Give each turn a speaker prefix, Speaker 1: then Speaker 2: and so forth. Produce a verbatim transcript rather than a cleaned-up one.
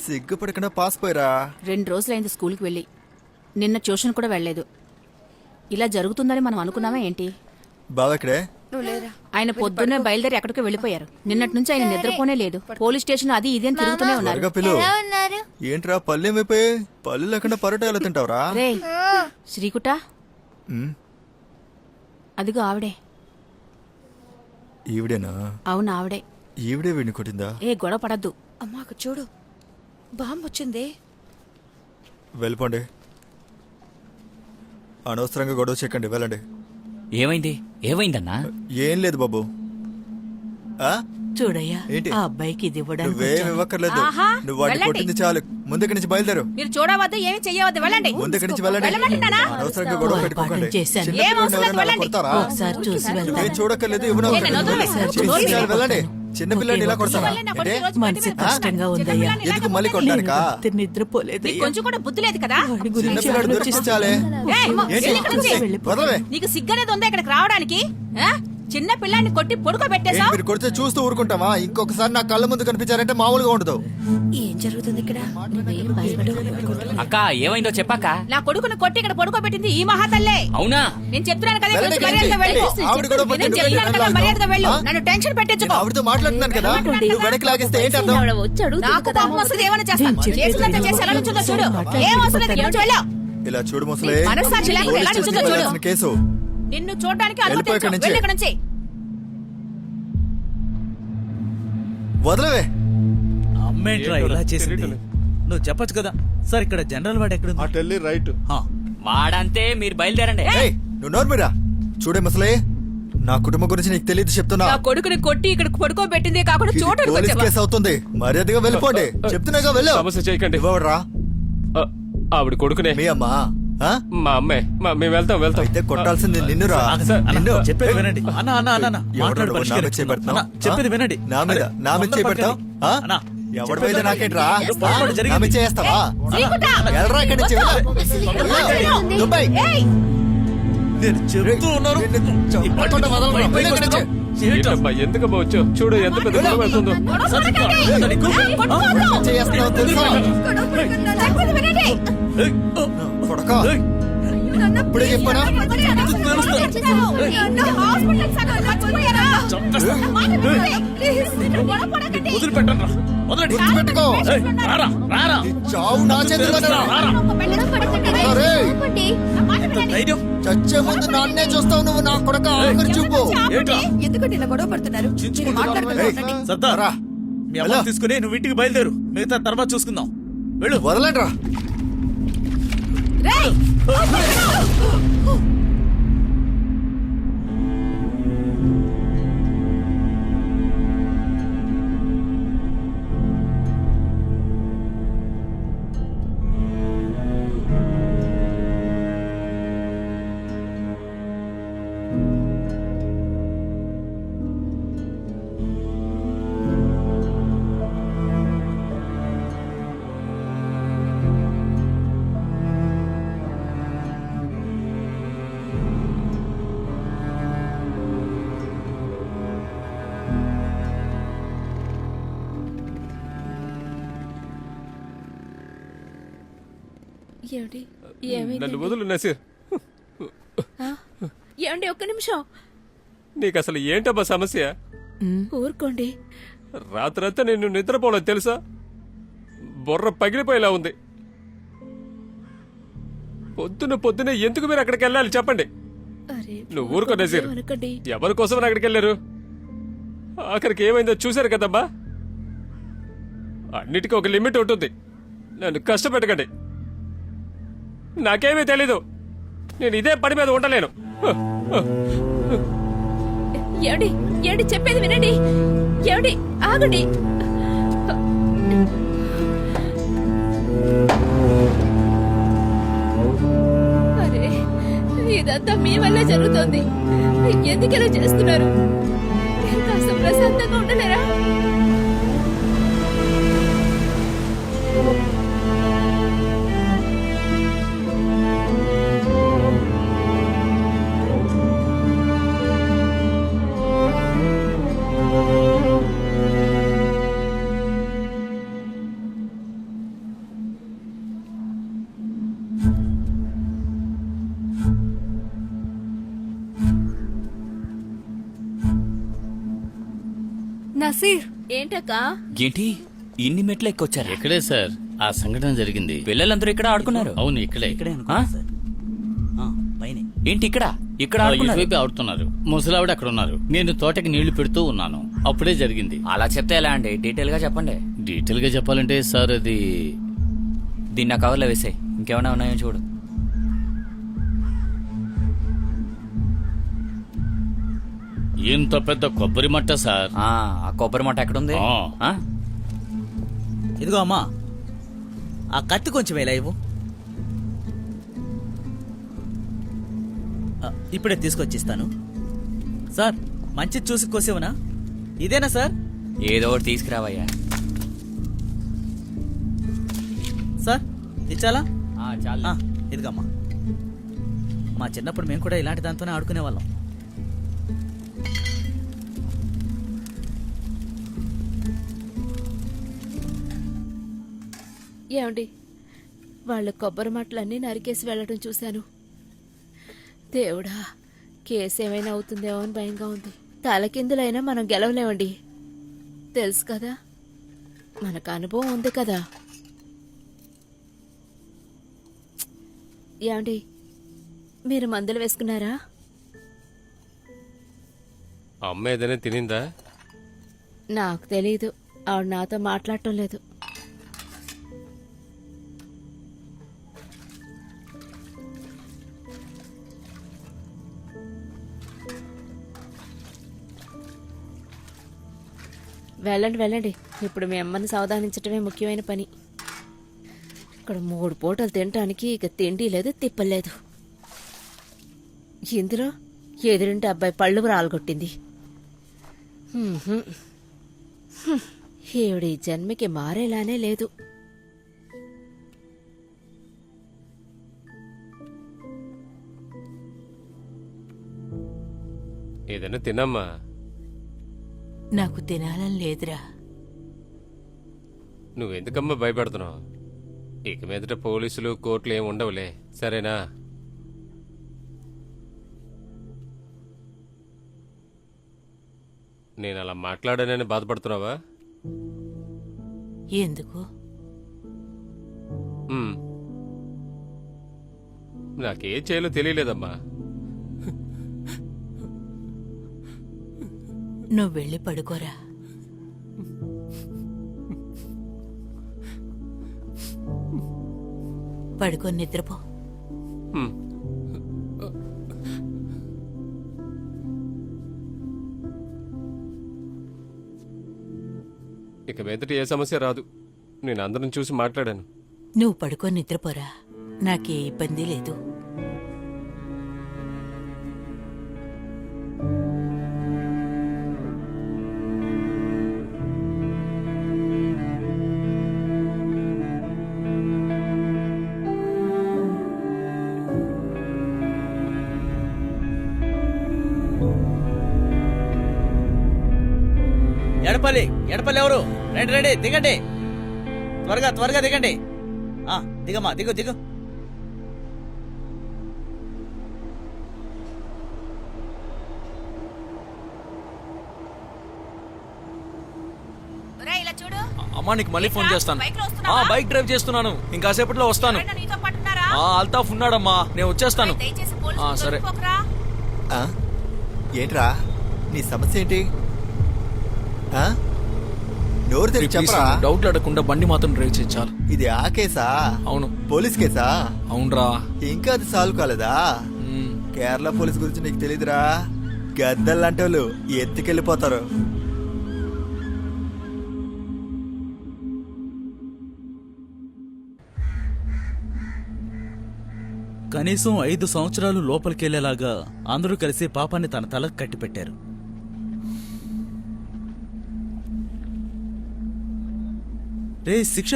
Speaker 1: సిగ్గుపడకుండా pass పోయిరా.
Speaker 2: రెండు రోజులైంది స్కూల్కి వెళ్ళి. నిన్న ట్యూషన్ కూడా వెళ్ళలేదు. ఇలా జరుగుతుందని మనం అనుకున్నామా ఏంటి?
Speaker 1: బావ ఇక్కడే.
Speaker 2: ఆయన పొద్దున్నే బయలుదేరి ఎక్కడికో వెళ్ళిపోయారు. నిన్నటి నుంచి ఆయన నిద్రపోనే లేదు. పోలీస్ స్టేషన్ అది ఇది అని తిరుగుతూనే ఉన్నారు.
Speaker 1: పిలు ఏంట్రా పళ్ళు ఏమైపోయి? పళ్ళు లేకుండా పరోటా ఎలా తింటావురా?
Speaker 2: రే శ్రీకుట, అదిగో ఆవిడే.
Speaker 1: ఈవిడేనా?
Speaker 2: అవును ఆవిడే.
Speaker 1: ఈవిడే వీడిని కొట్టిందా?
Speaker 2: ఏ గొడవ పడద్దు.
Speaker 3: అమ్మాకు చూడు, బాంబు వచ్చింది.
Speaker 1: వెళ్ళిపోండి, అనవసరంగా గొడవ చెక్కండి, వెళ్ళండి.
Speaker 4: ఏమైంది? ఏమైందన్నా?
Speaker 1: ఏం లేదు బాబు.
Speaker 5: చూడయ్యా,
Speaker 1: ఏంటి
Speaker 5: ఆ అబ్బాయికి ఇది ఇవ్వడానికి
Speaker 1: నువ్వేం ఇవ్వక్కర్లేదు.
Speaker 2: ఆహా,
Speaker 1: నువ్వు వాడిని
Speaker 2: వెళ్ళండి.
Speaker 1: కొట్టింది చాలు. ముందుకి నుంచి బయలుదేరు.
Speaker 2: మీరు చూడవద్దు, ఏమి చెయ్యవద్దు, వెళ్ళండి.
Speaker 1: ముందుకి నుంచి వెళ్ళండి.
Speaker 2: వెళ్ళమంటున్నానా?
Speaker 1: అనవసరంగా గొడవ పెట్టుకోకండి.
Speaker 5: చేశాను.
Speaker 1: చిన్న
Speaker 2: ఏం
Speaker 1: పిల్లల్ని
Speaker 2: అవసరం లేదు,
Speaker 1: ఎవరైనా
Speaker 2: వెళ్ళండి.
Speaker 1: కొడతారా?
Speaker 5: ఒకసారి చూసి
Speaker 1: నువ్వేం
Speaker 5: వెళ్తాను.
Speaker 1: చూడక్కర్లేదు, ఇవ్వను
Speaker 2: నేను వదలను.
Speaker 1: చేసి చాలు, వెళ్ళండి. చిన్న పిల్లల్ని ఇలా కొడతారా?
Speaker 2: వాళ్ళే నా కొడుకు
Speaker 1: అంటే
Speaker 2: రోజు
Speaker 5: మనసు
Speaker 2: బయట
Speaker 5: కష్టంగా
Speaker 2: చిన్న
Speaker 5: ఉందయ్యా.
Speaker 2: పిల్లని
Speaker 1: ఎందుకు
Speaker 2: ఇలాగ
Speaker 1: మళ్ళీ
Speaker 2: కొట్టండి.
Speaker 1: కొట్టడానికా?
Speaker 5: రాత్రి నిద్రపోలేదు.
Speaker 2: నీకు కొంచెం కూడా బుద్ధి లేదు కదా?
Speaker 5: వాడి
Speaker 1: చిన్న
Speaker 5: గురించి
Speaker 1: పిల్లడు
Speaker 5: ఆలోచిస్తే
Speaker 1: దొరికించాలే.
Speaker 2: ఏయ్,
Speaker 1: ఏంటి?
Speaker 2: వెళ్ళి ఇక్కడి నుంచి.
Speaker 1: వదలవే.
Speaker 2: నీకు సిగ్గనేది ఉందా ఇక్కడికి రావడానికి? ఆ? చిన్న పిల్లాన్ని కొట్టి పొడుకో
Speaker 1: ఏంటి
Speaker 2: పెట్టేశావు.
Speaker 1: మీరు కొడితే చూస్తూ ఊరుకుంటామా? ఇంకొకసారి నా కళ్ళ ముందు కనిపించారంటే మామూలుగా ఉండదు.
Speaker 3: ఏం జరుగుతుంది ఇక్కడ?
Speaker 4: అక్క ఏమైందో చెప్పాక.
Speaker 2: నా కొడుకుని కొట్టి ఇక్కడ పొడుకో పెట్టింది ఈ మహాతల్లే.
Speaker 4: అవునా?
Speaker 2: నేను చెప్తున్నాను కదా,
Speaker 1: వెళ్ళండి,
Speaker 2: కొంచెం మర్యాదగా వెళ్ళు.
Speaker 1: వెళ్ళండి. ఆవిడ కూడా
Speaker 2: నేను
Speaker 1: పట్టుకుని
Speaker 2: చెప్తున్నాను కదా,
Speaker 1: వెళ్ళండి.
Speaker 2: మర్యాదగా వెళ్ళు.
Speaker 1: ఆ?
Speaker 2: నన్ను టెన్షన్ పెట్టించుకో.
Speaker 1: ఆవిడతో మాట్లాడుతున్నాను కదా, నువ్వు వెనక్కి లాగేస్తే ఏంటి అర్థం?
Speaker 2: నాకు పాపం వస్తుంది, ఏమైనా చేస్తాను.
Speaker 5: నేను చెప్పేది
Speaker 2: చేసినంత చేసి ఎలా నుంచుందో చూడు. ఏం అవసరం లేదు, ఇక్కడ నుంచి వెళ్ళు.
Speaker 1: ఇలా చూడు ముసలే,
Speaker 2: మనస్సాక్షి లేకుండా ఎలా
Speaker 1: పోలీస్
Speaker 2: నుంచుందో
Speaker 1: స్టేషన్కి
Speaker 2: చూడు.
Speaker 1: వెళ్ళాల్సిన కేసు.
Speaker 2: నిన్ను చూడడానికి
Speaker 1: వెళ్ళిపో ఇక్కడి
Speaker 2: అనుమతించు.
Speaker 1: నుంచి.
Speaker 2: వెళ్ళి ఇక్కడ నుంచి.
Speaker 1: వదలవే.
Speaker 6: అమ్మేంట్రా ఇలా చేసింది? నువ్వు చెప్పొచ్చు కదా సార్, ఇక్కడ జనరల్ వాడు ఎక్కడ
Speaker 7: అటెల్లి రైట్.
Speaker 4: వాడంతే, మీరు బయలుదేరండి.
Speaker 1: ఏయ్, నువ్వు నోర్మిరా. చూడే ముసలే, నా కుటుంబం గురించి నీకు తెలియదు చెప్తున్నా.
Speaker 2: నా కొడుకుని కొట్టి ఇక్కడ పడుకో పెట్టిందే కాకుండా
Speaker 1: ఇది
Speaker 2: చూడడానికి
Speaker 1: పోలీస్
Speaker 2: వచ్చావా?
Speaker 1: కేసు అవుతుంది. మర్యాదగా వెళ్ళిపోండి, చెప్తున్నాగా వెళ్ళు.
Speaker 7: సమస్య చేయకండి.
Speaker 1: ఇవ్వరా
Speaker 7: ఆ, ఆవిడ కొడుకునే.
Speaker 1: మీ అమ్మా? ఆ?
Speaker 7: మా అమ్మాయి. మా మేము వెళ్తాం వెళ్తాం.
Speaker 1: అయితే కొట్టాల్సింది నిన్నురా.
Speaker 7: సార్,
Speaker 1: నిన్ను.
Speaker 6: చెప్పేది వినండి అన్న అన్న అన్న అన్న
Speaker 1: ఎవరు
Speaker 6: మాట్లాడు
Speaker 1: నువ్వు నా మీద
Speaker 6: పరిష్కరించు.
Speaker 1: చేపెడతావు?
Speaker 6: అన్న, చెప్పేది వినండి.
Speaker 1: నా మీద
Speaker 6: అరే,
Speaker 1: నా మీద
Speaker 6: తొందర
Speaker 1: చేపెడతావు?
Speaker 6: పడకండి.
Speaker 1: ఆ?
Speaker 6: అన్న,
Speaker 1: ఎవడి
Speaker 6: చెప్పేది
Speaker 1: మీద నాకేంట్రా?
Speaker 6: ఏదో పొరపాటు
Speaker 1: నా
Speaker 6: జరిగింది.
Speaker 1: మీద చేస్తావా?
Speaker 2: శ్రీకుట!
Speaker 1: వెళ్ళరా ఇక్కడి నుంచి, వెళ్ళు. దుబాయ్.
Speaker 2: ఏయ్!
Speaker 6: నేను చెప్తూ ఉన్నాను.
Speaker 1: నిన్ను చంపకుండా వదలరా. వెళ్ళు ఇక్కడి నుంచి.
Speaker 7: ఏంటబ్బా, ఎందుకమ్మా వచ్చావు? చూడు ఎంత పెద్ద గొడవ వెళ్తుందో.
Speaker 2: గొడవ
Speaker 6: సరే,
Speaker 2: పడకండి.
Speaker 6: ఏంటో నీకు?
Speaker 2: ఏయ్, కొట్టుకోవద్దు.
Speaker 1: చేస్తున్నావు తెలుసా?
Speaker 2: చెప్పేది వినండి.
Speaker 6: ఏయ్, ఓ,
Speaker 1: కొడక,
Speaker 6: ఏయ్,
Speaker 1: ఇప్పుడే చెప్పానా?
Speaker 6: వదిలిపెట్టండి రా. వదలండి.
Speaker 1: గుర్తుపెట్టుకో.
Speaker 6: ఏయ్, రారా రారా.
Speaker 1: ఈ చావు నా చేతిలోనే. అరే,
Speaker 6: ఎంత ధైర్యం?
Speaker 1: చచ్చే ముందు నాన్నే చూస్తావు నువ్వు, నా కొడక. ఆఖరి చూపు.
Speaker 6: ఏంట్రా?
Speaker 3: ఎందుకంటే ఇలా గొడవ పడుతున్నారు? మీరు మాట్లాడుకుంటూ
Speaker 1: ఏయ్,
Speaker 3: ఉండండి.
Speaker 6: సర్దార్,
Speaker 1: రా.
Speaker 6: మీ అమ్మ తీసుకుని నువ్వు ఇంటికి బయలుదేరు. మిగతా తర్వాత చూసుకుందాం. వెళ్ళు.
Speaker 1: వదలండ్రా.
Speaker 8: ఏమిటి? ఏమైంది?
Speaker 7: నన్ను వదులు నసీర్.
Speaker 8: ఏమండి, ఒక్క నిమిషం
Speaker 7: నీకు అసలు ఏంటబ్బా సమస్య?
Speaker 8: ఊరుకోండి.
Speaker 7: రాత్రంతా నేను నిద్రపోలేదు తెలుసా? బుర్ర పగిలిపోయేలా ఉంది. పొద్దున పొద్దున ఎందుకు మీరు అక్కడికి వెళ్ళాలి చెప్పండి?
Speaker 8: అరే,
Speaker 7: నువ్వు ఊరుకో నసీర్.
Speaker 8: అనకండి.
Speaker 7: ఎవరి కోసం అక్కడికి వెళ్ళారు? ఆఖరికి ఏమైందో చూశారు కదమ్మా. అన్నిటికీ ఒక లిమిట్ ఉంటుంది. నన్ను కష్టపెట్టకండి. నాకేమీ తెలీదు. నేను ఇదే పని మీద ఉండలేను.
Speaker 8: ఏమండి, ఏమండి, చెప్పేది వినండి. ఏమండి, ఆగండి. అరే, ఇదంతా మీ వల్ల జరుగుతోంది. ఎందుకు ఇలా చేస్తున్నారు? కాస్త ప్రశాంతంగా ఉండలేరా?
Speaker 3: నసీర్
Speaker 8: ఏంటక్కా
Speaker 4: ఏంటి ఇన్ని మెట్లు ఎక్కొచ్చారా?
Speaker 9: ఇక్కడే సార్ ఆ సంఘటన జరిగింది.
Speaker 4: పిల్లలందరూ ఇక్కడ ఆడుకున్నారు.
Speaker 9: అవును ఇక్కడే.
Speaker 6: ఇక్కడే
Speaker 4: ఆ?
Speaker 6: అనుకున్నా సార్ ఆ, పైనే
Speaker 4: ఏంటి ఇక్కడ ఇక్కడ
Speaker 9: ఆ,
Speaker 4: ఆడుకున్నారు?
Speaker 9: ఇటువైపు ఆడుతున్నారు. ముసలావిడ అక్కడ ఉన్నారు. నేను తోటకి నీళ్లు పెడుతూ ఉన్నాను. అప్పుడే జరిగింది.
Speaker 4: అలా చెప్తే ఎలా అండి? డీటెయిల్ గా చెప్పండి.
Speaker 9: డీటెయిల్ గా చెప్పాలంటే సార్ అది
Speaker 4: దీన్ని నా కవర్లో వేసాయి. ఇంకేమైనా ఉన్నాయో చూడు.
Speaker 9: ఇంత పెద్ద కొబ్బరి మట్ట సార్.
Speaker 4: ఆ ఆ కొబ్బరి మట్ట ఎక్కడుంది?
Speaker 9: ఆ.
Speaker 4: ఆ?
Speaker 6: ఇదిగో అమ్మా ఆ కత్తి కొంచెం ఎలా ఇవ్వు. ఆ, ఇప్పుడే తీసుకొచ్చిస్తాను సార్. మంచి చూసి కోసేవనా? ఇదేనా సార్?
Speaker 4: ఏదో ఒకటి తీసుకురావయ్యా.
Speaker 6: సార్ ఇచ్చాలా?
Speaker 4: ఆ, చాలు.
Speaker 6: ఆ, ఇదిగమ్మా. మా చిన్నప్పుడు మేము కూడా ఇలాంటి దాంతోనే ఆడుకునే వాళ్ళం.
Speaker 8: ఏమండి వాళ్ళ కొబ్బరి మట్టలన్నీ నరికేసి వెళ్ళడం చూశాను. దేవుడా, కేసు ఏమైనా అవుతుందేమో అని భయంగా ఉంది. తలకిందులైనా మనం గెలవలేమండి, తెలుసు కదా, మనకు అనుభవం ఉంది కదా. ఏమండి మీరు మందులు వేసుకున్నారా?
Speaker 7: అమ్మ ఏదైనా తినిందా?
Speaker 8: నాకు తెలీదు, ఆవిడ నాతో మాట్లాడటం లేదు. వెళ్ళండి వెళ్ళండి, ఇప్పుడు మీ అమ్మని సావధానించటమే ముఖ్యమైన పని. ఇక్కడ మూడు పూటలు తినటానికి ఇక తిండి లేదు, తిప్పలేదు. ఇందులో ఎదురింటి అబ్బాయి పళ్ళు రాలగొట్టింది. హుహు. హ్మ్. ఈవిడ ఈ జన్మకి మారేలానే లేదు.
Speaker 7: ఏదైనా తినమ్మా.
Speaker 5: నాకు తినాలని లేదురా.
Speaker 7: నువ్వెందుకమ్మా భయపడుతున్నావు? ఇక మీదట పోలీసులు కోర్టులు ఏమి ఉండవులే, సరేనా? నేను అలా మాట్లాడానని బాధపడుతున్నావా?
Speaker 5: ఎందుకు?
Speaker 7: ఉమ్. నాకేం చేయాలో తెలియలేదమ్మా.
Speaker 5: నువ్వు వెళ్ళి పడుకోరా. పడుకొని నిద్రపో.
Speaker 7: ఉమ్. ఇక మీదట ఏ సమస్య రాదు. నేను అందరం చూసి మాట్లాడాను.
Speaker 5: నువ్వు పడుకొని నిద్రపోరా, నాకే ఇబ్బంది లేదు.
Speaker 6: ఎడపల్లి ఎడపల్లి ఎవరు? రండి రండి, దిగండి, త్వరగా త్వరగా దిగండి. ఆ, దిగమ్మా, దిగు దిగు.
Speaker 2: ఇలా చూడు.
Speaker 10: అమ్మా నీకు మళ్ళీ ఫోన్ చేస్తాను.
Speaker 2: బైక్ లో
Speaker 10: ఆ
Speaker 2: వస్తున్నావా?
Speaker 10: బైక్ డ్రైవ్ చేస్తున్నాను, ఇంకాసేపట్లో వస్తాను.
Speaker 2: ఎవరైనా నీతో పాటు ఉన్నారా?
Speaker 10: ఆ అల్తాఫ్ ఉన్నాడమ్మా, నేను వచ్చేస్తాను.
Speaker 2: దయచేసి
Speaker 10: ఆ,
Speaker 2: పోలీసులకు
Speaker 10: సరే.
Speaker 2: దొరికిపోకురా.
Speaker 1: ఆ? ఏంట్రా నీ సమస్య ఏంటి? ఆ? నోరు తెరిచి చెప్పరా.
Speaker 10: డౌట్లు అడగకుండా బండి మాత్రం డ్రైవ్ చేయించాలి.
Speaker 1: ఇది ఆ కేసా?
Speaker 10: అవును.
Speaker 1: పోలీస్ కేసా?
Speaker 10: అవునరా.
Speaker 1: ఇంకా అది సాల్వ్ కాలేదా?
Speaker 10: మ్మ్.
Speaker 1: కేరళ పోలీస్ గురించి నీకు తెలీదురా. గద్దల్లాంటి వాళ్ళు ఎత్తుకెళ్ళిపోతారు.
Speaker 6: కనీసం ఐదు సంవత్సరాలు లోపలికెళ్లేలాగా అందరూ కలిసి పాపాన్ని తన తలకు కట్టిపెట్టారు. రే శిక్ష